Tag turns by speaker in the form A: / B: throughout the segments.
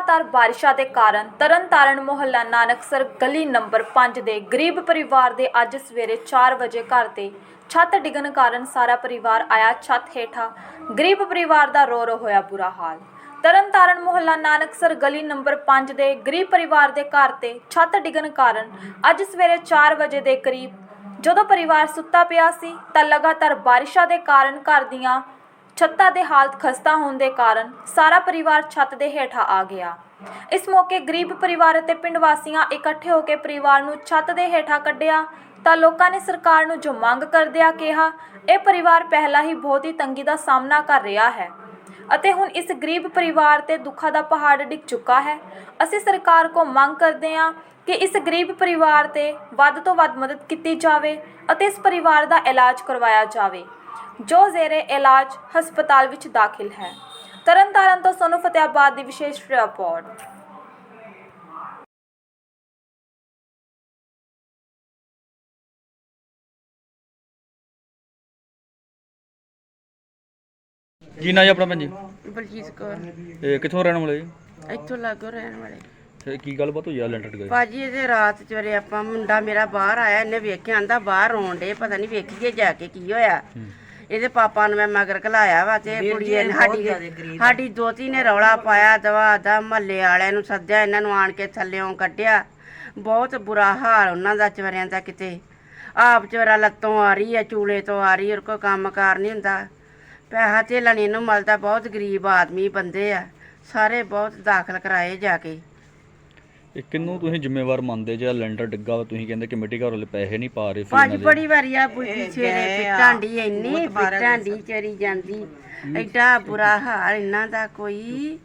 A: लगातार बारिशा के कारण तरनतारण मुहल्ला नानकसर गली नंबर 5 के गरीब परिवार के अज सवेरे 4 बजे घर से छत डिगन कारण सारा परिवार आया छत हेठा। गरीब परिवार का रो रो होया बुरा हाल। तरनतारण मुहल्ला नानकसर गली नंबर 5 के गरीब परिवार के घर से छत डिगन कारण अज सवेरे 4 बजे के करीब जदों परिवार सुत्ता पिया सी तां लगातार बारिशा के कारण घर दियां छत्तां दे हालत खस्ता होने के कारण सारा परिवार छत दे हेठा आ गया। इस मौके गरीब परिवार ते पिंड वासियां इकट्ठे होकर परिवार नूं छत दे हेठा कढ़िया तां लोकां ने सरकार नूं जो मंग करदिया कहा यह परिवार पहला ही बहुत ही तंगी का सामना कर रहा है अते हुण इस गरीब परिवार ते दुखा का पहाड़ डिग चुका है। असीं सरकार को मंग करदे हां कि इस गरीब परिवार ते वध तो वध मदद की जाए अते इस परिवार का इलाज करवाया जाए जो जेरे इलाज हस्पताल विच दाखिल है। तरनतारण तो सोनू फतेहाबाद की विशेष रिपोर्ट।
B: ਕੀ ਨਾਂ ਜੀ ਆਪਣਾ ਭੈਣ ਜੀ?
C: ਬਲਜੀਤ ਕੌਰ
B: ਇਹ ਕਿੱਥੋਂ ਰਹਿਣ ਵਾਲੇ ਜੀ?
C: ਇੱਥੋਂ ਲਾਗੋਂ ਰਹਿਣ ਵਾਲੇ।
B: ਤੇ ਕੀ ਗੱਲਬਾਤ ਹੋਈ ਆ ਲੈਂਟਰ ਗਏ?
C: ਭਾਜੀ ਇਹਦੇ ਰਾਤ ਚਵਰੇ ਆਪਾਂ ਮੁੰਡਾ ਮੇਰਾ ਬਾਹਰ ਆਇਆ, ਇਹਨੇ ਵੇਖਿਆ ਆਂਦਾ ਬਾਹਰ ਰੋਣ ਡੇ, ਪਤਾ ਨਹੀਂ ਵੇਖੀਏ ਜਾ ਕੇ ਕੀ ਹੋਇਆ। ਇਹਦੇ ਪਾਪਾ ਨੂੰ ਮੈਂ ਮਗਰ ਘਲਾਇਆ ਵਾ ਤੇ ਕੁੜੀ ਨੇ ਸਾਡੀ ਦੋਤੀ ਨੇ ਰੌਲਾ ਪਾਇਆ, ਦਵਾ ਦਾ ਮਹੱਲੇ ਵਾਲਿਆਂ ਨੂੰ ਸੱਦਿਆ, ਇਹਨਾਂ ਨੂੰ ਆਣ ਕੇ ਥੱਲਿਓਂ ਕੱਢਿਆ। ਬਹੁਤ ਬੁਰਾ ਹਾਲ ਉਹਨਾਂ ਦਾ ਚਵਰਿਆਂ ਦਾ, ਕਿਤੇ ਆਪ ਚਵਰਾ ਲੱਤੋਂ ਆ ਰਹੀ ਹੈ, ਚੂਲੇ ਤੋਂ ਆ ਰਹੀ, ਔਰ ਕੋਈ ਕੰਮ ਕਾਰ ਨਹੀਂ ਹੁੰਦਾ, ਪੈਸਾ ਧੇਲਾ ਨਹੀਂ ਇਹਨੂੰ ਮਿਲਦਾ। ਬਹੁਤ ਗਰੀਬ ਆਦਮੀ ਬੰਦੇ ਆ ਸਾਰੇ, ਬਹੁਤ ਦਾਖਲ ਕਰਾਏ ਜਾ ਕੇ।
B: ਇਹ ਕਿੰਨੂੰ ਤੁਸੀਂ ਜ਼ਿੰਮੇਵਾਰ ਮੰਨਦੇ ਜੇ ਲੈਂਟਰ ਡਿੱਗਾ ਵਾ, ਤੁਸੀਂ ਕਹਿੰਦੇ ਕਮੇਟੀ ਘਰ ਵਾਲੇ ਪੈਸੇ ਨਹੀਂ ਪਾ ਰਹੇ?
C: ਭਾਜੀ ਬੜੀ ਵਾਰੀ ਆ ਬੁੱਢੀ ਛੇਰੇ ਪਿੱਟਾਂਡੀ, ਇੰਨੀ ਪਿੱਟਾਂਡੀ ਚਰੀ ਜਾਂਦੀ, ਐਡਾ ਬੁਰਾ ਹਾਲ ਇਹਨਾਂ ਦਾ ਕੋਈ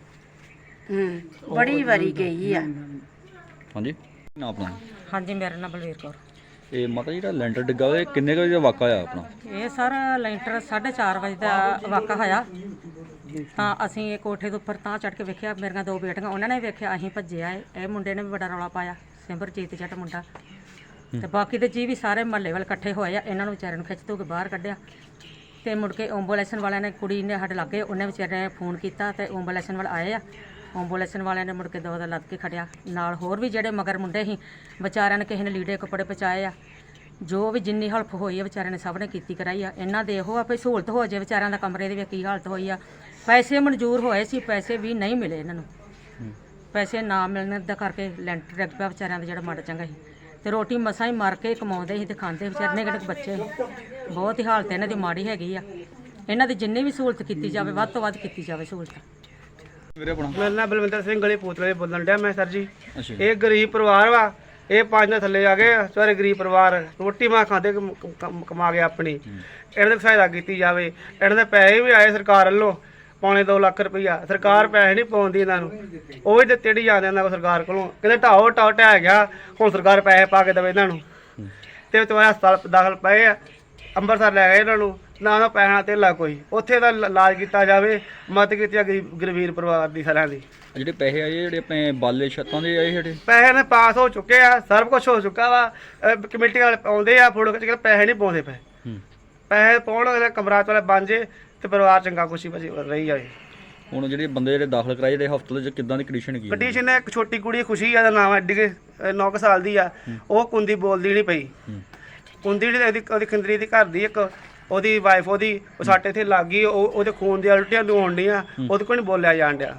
C: ਬੜੀ ਵਾਰੀ ਗਈ ਆ।
B: ਹਾਂਜੀ ਨਾ ਆਪਣਾ?
D: ਹਾਂਜੀ ਮੇਰਾ ਨਾਮ ਬਲਵੀਰ ਕੌਰ।
B: ਇਹ ਮਾਤਾ ਜੀ ਜਿਹੜਾ ਲੈਂਟਰ ਡਿੱਗਾ ਵਾ, ਇਹ ਕਿੰਨੇ ਕੁ ਵਜੇ ਦਾ ਵਾਕਾ ਹੋਇਆ ਆਪਣਾ?
D: ਇਹ ਸਰ ਲੈਂਟਰ 4:30 ਵਜੇ ਦਾ ਵਾਕਾ ਹੋਇਆ। ਤਾਂ ਅਸੀਂ ਇਹ ਕੋਠੇ ਦੇ ਉੱਪਰ ਤਾਂ ਚੜ੍ਹ ਕੇ ਵੇਖਿਆ, ਮੇਰੀਆਂ ਦੋ ਬੇਟੀਆਂ ਉਹਨਾਂ ਨੇ ਵੇਖਿਆ, ਅਸੀਂ ਭੱਜਿਆ। ਇਹ ਮੁੰਡੇ ਨੇ ਵੀ ਬੜਾ ਰੌਲਾ ਪਾਇਆ, ਸਿਮਰਜੀਤ ਜੱਟ ਮੁੰਡਾ, ਤੇ ਬਾਕੀ ਦੇ ਜੀ ਵੀ ਸਾਰੇ ਮਹੱਲੇ ਵਾਲੇ ਇਕੱਠੇ ਹੋਏ ਆ। ਇਹਨਾਂ ਨੂੰ ਵਿਚਾਰਿਆਂ ਨੂੰ ਖਿੱਚ ਧੂ ਕੇ ਬਾਹਰ ਕੱਢਿਆ ਤੇ ਮੁੜ ਕੇ ਐਂਬੂਲੈਂਸ ਵਾਲਿਆਂ ਨੇ, ਕੁੜੀ ਨੇ ਸਾਡੇ ਲਾਗੇ, ਉਹਨੇ ਵਿਚਾਰੇ ਨੇ ਫੋਨ ਕੀਤਾ ਤੇ ਐਂਬੂਲੈਂਸ ਵਾਲੇ ਆਏ ਆ। ਐਂਬੂਲੈਂਸ ਵਾਲਿਆਂ ਨੇ ਮੁੜ ਕੇ ਦੋ ਦਾ ਲੱਦ ਕੇ ਖੜਿਆ। ਨਾਲ ਹੋਰ ਵੀ ਜਿਹੜੇ ਮਗਰ ਮੁੰਡੇ ਸੀ ਵਿਚਾਰਿਆਂ ਨੇ, ਕਿਸੇ ਨੇ ਲੀੜੇ ਕੱਪੜੇ ਪਹੁੰਚਾਏ ਆ। ਜੋ ਵੀ ਜਿੰਨੀ ਹੈਲਪ ਹੋਈ ਆ ਵਿਚਾਰਿਆਂ ਨੇ ਸਭ ਨੇ ਕੀਤੀ ਕਰਾਈ ਆ। ਇਹਨਾਂ ਦੇ ਇਹੋ ਆ ਵੀ ਸਹੂਲਤ ਹੋ ਜਾਏ ਵਿਚਾਰਿਆਂ ਦਾ। ਕਮਰੇ ਦੀ ਵੀ ਕੀ ਹਾਲਤ ਹੋਈ ਆ, ਪੈਸੇ ਮਨਜ਼ੂਰ ਹੋਏ ਸੀ, ਪੈਸੇ ਵੀ ਨਹੀਂ ਮਿਲੇ ਇਹਨਾਂ ਨੂੰ। ਪੈਸੇ ਨਾ ਮਿਲਣ ਦਾ ਕਰਕੇ ਲੈਂਟਰ ਡਿੱਗ ਪਿਆ ਵਿਚਾਰਿਆਂ ਦਾ, ਜਿਹੜਾ ਮਾੜਾ ਚੰਗਾ ਸੀ। ਤੇ ਰੋਟੀ ਮਸਾਂ ਹੀ ਮਰ ਕੇ ਕਮਾਉਂਦੇ ਸੀ ਤੇ ਖਾਂਦੇ ਵਿਚਾਰੇ ਨੇ, ਕਿਹੜੇ ਬੱਚੇ ਸੀ। ਬਹੁਤ ਹੀ ਹਾਲਤ ਇਹਨਾਂ ਦੀ ਮਾੜੀ ਹੈਗੀ ਆ। ਇਹਨਾਂ ਦੀ ਜਿੰਨੀ ਵੀ ਸਹੂਲਤ ਕੀਤੀ ਜਾਵੇ, ਵੱਧ ਤੋਂ ਵੱਧ ਕੀਤੀ ਜਾਵੇ ਸਹੂਲਤ।
B: ਵੀਰੇ ਆਪਣਾ?
E: ਮੇਰਾ ਨਾਮ ਬਲਵਿੰਦਰ ਸਿੰਘ, ਗਲੀ ਪੂਤਲੇ ਬੋਲਣ ਡਿਆ ਮੈਂ ਸਰ ਜੀ।
B: ਅੱਛਾ।
E: ਇਹ ਗਰੀਬ ਪਰਿਵਾਰ ਵਾ, ਇਹ 5 ਦੇ ਥੱਲੇ ਆ ਗਏ ਸਾਰੇ ਗਰੀਬ ਪਰਿਵਾਰ, ਰੋਟੀ ਮਾਂ ਖਾਂਦੇ ਕਮਾ ਕੇ ਆਪਣੀ। ਇਹਨਾਂ ਦੀ ਸਹਾਇਤਾ ਕੀਤੀ ਜਾਵੇ। ਇਹਨਾਂ ਦੇ ਪੈਸੇ ਵੀ ਆਏ ਸਰਕਾਰ ਵੱਲੋਂ, ਪੌਣੇ 2 ਲੱਖ ਰੁਪਈਆ। ਸਰਕਾਰ ਪੈਸੇ ਨਹੀਂ ਪਾਉਂਦੀ ਇਹਨਾਂ ਨੂੰ, ਉਹ ਵੀ ਦਿੱਤੇ ਨਹੀਂ ਜਾਂਦੇ ਇਹਨਾਂ ਕੋਲ ਸਰਕਾਰ ਕੋਲੋਂ। ਕਹਿੰਦੇ ਢਾਓ ਢਹਿ ਗਿਆ, ਹੁਣ ਸਰਕਾਰ ਪੈਸੇ ਪਾ ਕੇ ਦੇਵੇ ਇਹਨਾਂ ਨੂੰ। ਤੇ ਤੁਹਾਡੇ ਹਸਪਤਾਲ ਦਾਖਲ ਪਏ ਆ, ਅੰਮ੍ਰਿਤਸਰ ਲੈ ਗਏ ਇਹਨਾਂ ਨੂੰ, ਨਾ ਉਹਨਾਂ ਪੈਸਾ ਧੇਲਾ ਕੋਈ। ਉੱਥੇ ਦਾ ਇਲਾਜ ਕੀਤਾ ਜਾਵੇ, ਮਦਦ ਕੀਤੀ ਆ ਗਰੀਬ ਪਰਿਵਾਰ ਦੀ ਸਾਰਿਆਂ ਦੀ।
B: ਜਿਹੜੇ ਪੈਸੇ ਆਏ, ਜਿਹੜੇ ਆਪਣੇ ਬਾਲੇ ਛੱਤਾਂ ਦੇ ਆਏ, ਜਿਹੜੇ
E: ਪੈਸੇ ਨੇ ਪਾਸ ਹੋ ਚੁੱਕੇ ਆ, ਸਭ ਕੁਝ ਹੋ ਚੁੱਕਾ ਵਾ। ਕਮੇਟੀ ਵਾਲੇ ਆਉਂਦੇ ਆ ਫੋਟੋ ਖਿੱਚ ਕੇ, ਪੈਸੇ ਨਹੀਂ ਪਾਉਂਦੇ ਪਏ। ਪੈਸੇ ਪਾਉਣ, ਕਮਰਾ ਵਾਲੇ ਬਣ ਜੇ ਤੇ ਪਰਿਵਾਰ ਚੰਗਾ ਖੁਸ਼ੀ ਬਸੀ ਰਹੀ ਜਾਵੇ।
B: ਹੁਣ ਜਿਹੜੇ ਬੰਦੇ ਜਿਹੜੇ ਦਾਖਲ ਕਰਾਏ, ਜਿਹੜੇ ਹਸਪਤਾਲ 'ਚ ਕਿੱਦਾਂ ਦੀ ਕੰਡੀਸ਼ਨ ਕੀ?
E: ਕੰਡੀਸ਼ਨ ਹੈ, ਇੱਕ ਛੋਟੀ ਕੁੜੀ ਖੁਸ਼ੀ ਆ ਦਾ ਨਾਮ, ਐਡੀ 9 ਸਾਲ ਦੀ ਆ। ਉਹ ਕੁੰਦੀ ਬੋਲਦੀ ਨਹੀਂ ਪਈ। ਕੁੰਦੀ ਜਿਹੜੀ ਉਹਦੀ ਖੰਦਰੀ ਦੀ ਘਰ ਦੀ, ਇੱਕ ਉਹਦੀ ਵਾਈਫ, ਉਹਦੀ ਉਹ ਸਾਡੇ ਇੱਥੇ ਲੱਗ ਗਈ। ਉਹਦੇ ਖੂਨ ਦੀਆਂ ਉਲਟੀਆਂ ਨੂੰ ਹੋਣ ਡੀਆਂ, ਉਹਦੇ ਕੋਲ ਨਹੀਂ ਬੋਲਿਆ ਜਾਣ ਡਿਆ।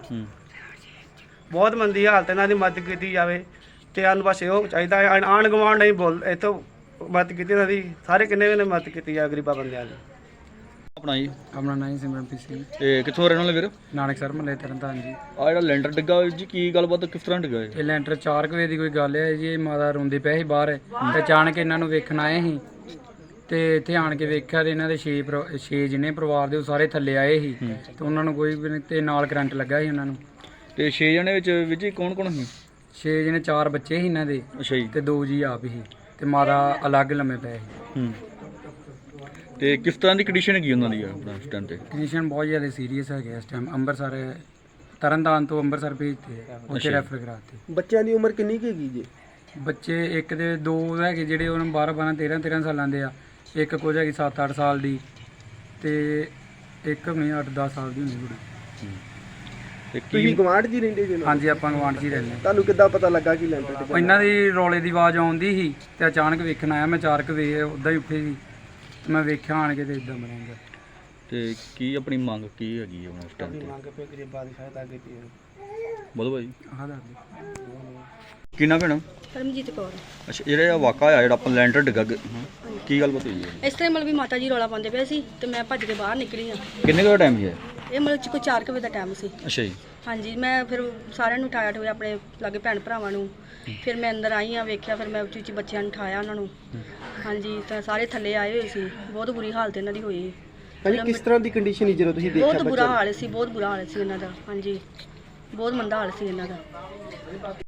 E: ਬਹੁਤ ਮੰਦੀ ਹਾਲਤ, ਇਹਨਾਂ ਦੀ ਮਦਦ ਕੀਤੀ ਜਾਵੇ। ਤੇ ਸਾਨੂੰ ਬਸ ਇਹੋ ਚਾਹੀਦਾ, ਆਂਢ ਗੁਆਂਢ ਨਹੀਂ ਬੋਲ, ਇੱਥੋਂ ਮਦਦ ਕੀਤੀ ਇਹਨਾਂ ਦੀ, ਸਾਰੇ ਕਿੰਨੇ ਵੀ ਮਦਦ ਕੀਤੀ ਜਾਵੇ ਗਰੀਬਾਂ ਬੰਦਿਆਂ ਦੀ।
B: ਆਪਣਾ ਜੀ?
F: ਆਪਣਾ ਨਾਂ ਹੀ ਸਿਮਰਨਪ੍ਰੀਤ ਸਿੰਘ।
B: ਇਹ ਕਿੱਥੋਂ ਰਹਿਣ ਵਾਲੇ ਵੀਰ?
F: ਨਾਨਕਸਰ ਮਹੱਲੇ ਤਰਨਤਾਰਨ ਜੀ।
B: ਆ ਜਿਹੜਾ ਲੈਂਟਰ ਡਿੱਗਾ ਜੀ, ਕੀ ਗੱਲਬਾਤ, ਕਿਸ ਤਰ੍ਹਾਂ ਡਿੱਗਾ
F: ਇਹ ਲੈਂਟਰ 4 ਵਜੇ ਦੀ ਕੋਈ ਗੱਲ ਹੈ ਜੀ। ਇਹ ਮਾਤਾ ਰੋਂਦੀ ਪਈ ਸੀ ਬਾਹਰ, ਤੇ ਅਚਾਨਕ ਇਹਨਾਂ ਨੂੰ ਵੇਖਣ ਆਏ ਸੀ ਤੇ ਇੱਥੇ ਆਣ ਕੇ ਵੇਖਿਆ ਤੇ ਇਹਨਾਂ ਦੇ 6 ਜਿਹਨੇ ਪਰਿਵਾਰ ਦੇ ਉਹ ਸਾਰੇ ਥੱਲੇ ਆਏ ਸੀ ਤੇ ਉਹਨਾਂ ਨੂੰ ਕੋਈ ਵੀ ਨਹੀਂ, ਤੇ ਨਾਲ ਕਰੰਟ ਲੱਗਾ ਸੀ ਉਹਨਾਂ ਨੂੰ।
B: ਤੇ 6 ਜਣੇ ਵਿੱਚ ਜੀ ਕੌਣ ਕੌਣ ਸੀ?
F: 6 ਜਿਹਨੇ, 4 ਬੱਚੇ ਸੀ ਇਹਨਾਂ ਦੇ।
B: ਅੱਛਾ ਜੀ।
F: ਤੇ 2 ਜੀ ਆਪ ਹੀ, ਤੇ ਮਾਤਾ ਅਲੱਗ ਲੰਮੇ ਪਏ ਸੀ।
B: ਤੇ ਕਿਸ ਤਰ੍ਹਾਂ ਦੀ ਕੰਡੀਸ਼ਨ ਹੈਗੀ ਉਹਨਾਂ ਦੀ ਆਪਣਾ ਇਸ ਟਾਈਮ ਤੇ?
F: ਕੰਡੀਸ਼ਨ ਬਹੁਤ ਜ਼ਿਆਦਾ ਸੀਰੀਅਸ ਹੈਗੇ ਇਸ ਟਾਈਮ। ਅੰਮ੍ਰਿਤਸਰ, ਤਰਨਤਾਰਨ ਤੋਂ ਅੰਮ੍ਰਿਤਸਰ ਭੇਜਤੇ, ਉੱਥੇ ਰੈਫਰ ਕਰਾਤੇ।
E: ਬੱਚਿਆਂ ਦੀ ਉਮਰ ਕਿੰਨੀ ਕੁ ਹੈਗੀ ਜੀ?
F: ਬੱਚੇ ਇੱਕ ਦੇ 2 ਹੈਗੇ ਜਿਹੜੇ ਉਹਨਾਂ 12 13 ਸਾਲਾਂ ਦੇ ਆ। ਇੱਕ ਕੁਝ ਹੈਗੀ 7-8 ਸਾਲ ਦੀ, ਤੇ ਇੱਕ ਨਹੀਂ 8-10 ਸਾਲ ਦੀ ਹੁੰਦੀ ਕੁੜੀ।
B: ਤੇ
G: ਤੁਸੀਂ
B: ਕੀ
G: ਗਵਾਂਢ ਜੀ ਰਹਿੰਦੇ ਜੀ ਨਾਲ?
F: ਹਾਂਜੀ ਆਪਾਂ ਗਵਾਂਢ 'ਚ ਹੀ ਰਹਿੰਦੇ
G: ਤੁਹਾਨੂੰ ਕਿੱਦਾਂ ਪਤਾ ਲੱਗਾ ਕਿ ਲੈਂਟਰ ਡਿੱਗਾ?
F: ਇਹਨਾਂ ਦੀ ਰੌਲੇ ਦੀ ਆਵਾਜ਼ ਆਉਂਦੀ ਸੀ ਤੇ ਅਚਾਨਕ ਵੇਖਣ ਆਇਆ ਮੈਂ 4 ਵਜੇ ਉੱਦਾਂ ਹੀ ਉੱਠੇ ਸੀ ਤੇ ਮੈਂ ਵੇਖਿਆ ਆਣ ਕੇ ਤੇ ਇਦਾਂ ਬਣਿਆ।
B: ਤੇ ਕੀ ਆਪਣੀ ਮੰਗ ਕੀ ਹੈਗੀ ਹੈ ਹੁਣ ਇਸ ਟਾਈਮ ਤੇ?
E: ਮੰਗ ਪੇ ਗਰੀਬਾਂ ਦੀ ਸਹਾਇਤਾ ਕੀਤੀ ਹੈ।
B: ਬੋਲੋ ਭਾਈ
F: ਆਹ ਦੱਸ ਦਿਓ।
B: ਕੀ ਨਾ ਭੈਣ?
H: ਪਰਮਜੀਤ ਕੌਰ।
B: ਅੱਛਾ ਜਿਹੜਾ ਇਹ ਵਾਕਾ ਹੋਇਆ ਜਿਹੜਾ ਆਪਾਂ ਲੈਂਟਰ ਡਿੱਗਾ ਕੀ ਗੱਲ ਬਤ ਹੋਈ ਹੈ?
H: ਇਸ ਤਰ੍ਹਾਂ ਮਤਲਬ ਵੀ ਮਾਤਾ ਜੀ ਰੌਲਾ ਪਾਉਂਦੇ ਪਏ ਸੀ ਤੇ ਮੈਂ ਭੱਜ ਕੇ ਬਾਹਰ ਨਿਕਲੀ ਆ।
B: ਕਿੰਨੇ ਕੁ ਟਾਈਮ ਹੈ?
H: ਇਹ ਮਤਲਬ ਚ ਕੋਈ 4 ਵਜੇ ਦਾ ਟਾਈਮ ਸੀ।
B: ਅੱਛਾ ਜੀ।
H: ਹਾਂਜੀ ਮੈਂ ਫਿਰ ਸਾਰਿਆਂ ਨੂੰ ਉਠਾਇਆ ਠੋਇਆ ਆਪਣੇ ਲਾਗੇ ਭੈਣ ਭਰਾਵਾਂ ਨੂੰ। ਫਿਰ ਮੈਂ ਅੰਦਰ ਆਈ ਆ ਵੇਖਿਆ ਫਿਰ ਮੈਂ ਉੱਚੀ ਉੱਚੀ ਬੱਚਿਆਂ ਨੂੰ ਉਠਾਇਆ ਉਹਨਾਂ ਨੂੰ। ਹਾਂਜੀ ਤਾਂ ਸਾਰੇ ਥੱਲੇ ਆਏ ਹੋਏ ਸੀ। ਬਹੁਤ ਬੁਰੀ ਹਾਲਤ ਇਹਨਾਂ ਦੀ ਹੋਈ।
G: ਭਾਜੀ ਕਿਸ ਤਰ੍ਹਾਂ ਦੀ ਕੰਡੀਸ਼ਨ ਸੀ ਜਦੋਂ ਤੁਸੀਂ ਦੇਖਿਆ
H: ਬਹੁਤ ਬੁਰਾ
G: ਬੱਚਾ?
H: ਹਾਲ ਸੀ, ਬਹੁਤ ਬੁਰਾ ਹਾਲ ਸੀ ਇਹਨਾਂ ਦਾ। ਹਾਂਜੀ ਬਹੁਤ ਮੰਦਾ ਹਾਲ ਸੀ ਇਹਨਾਂ ਦਾ।